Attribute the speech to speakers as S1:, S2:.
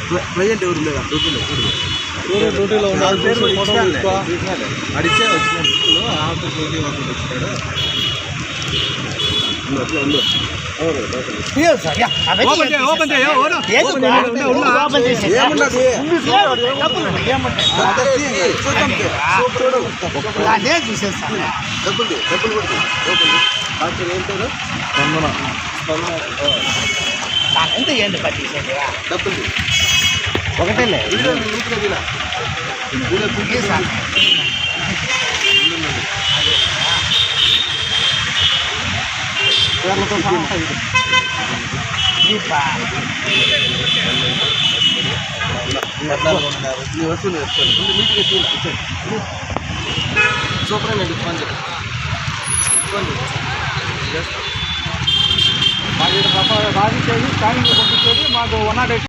S1: ప్రజెంట్ ఎవరు లేదా
S2: డ్యూటీలో ఉన్నారు.
S1: అడిచే వచ్చిన డ్యూటీ వర్క్ వచ్చినాడు.
S3: ఎంత ఏంటి పట్టించండి
S1: డబ్బులు
S3: ఒకటేలే
S1: సూపర్ అండి ఫోన్
S2: మాకు రాసిచ్చేది స్కానింగ్ పంపించేది మాకు 108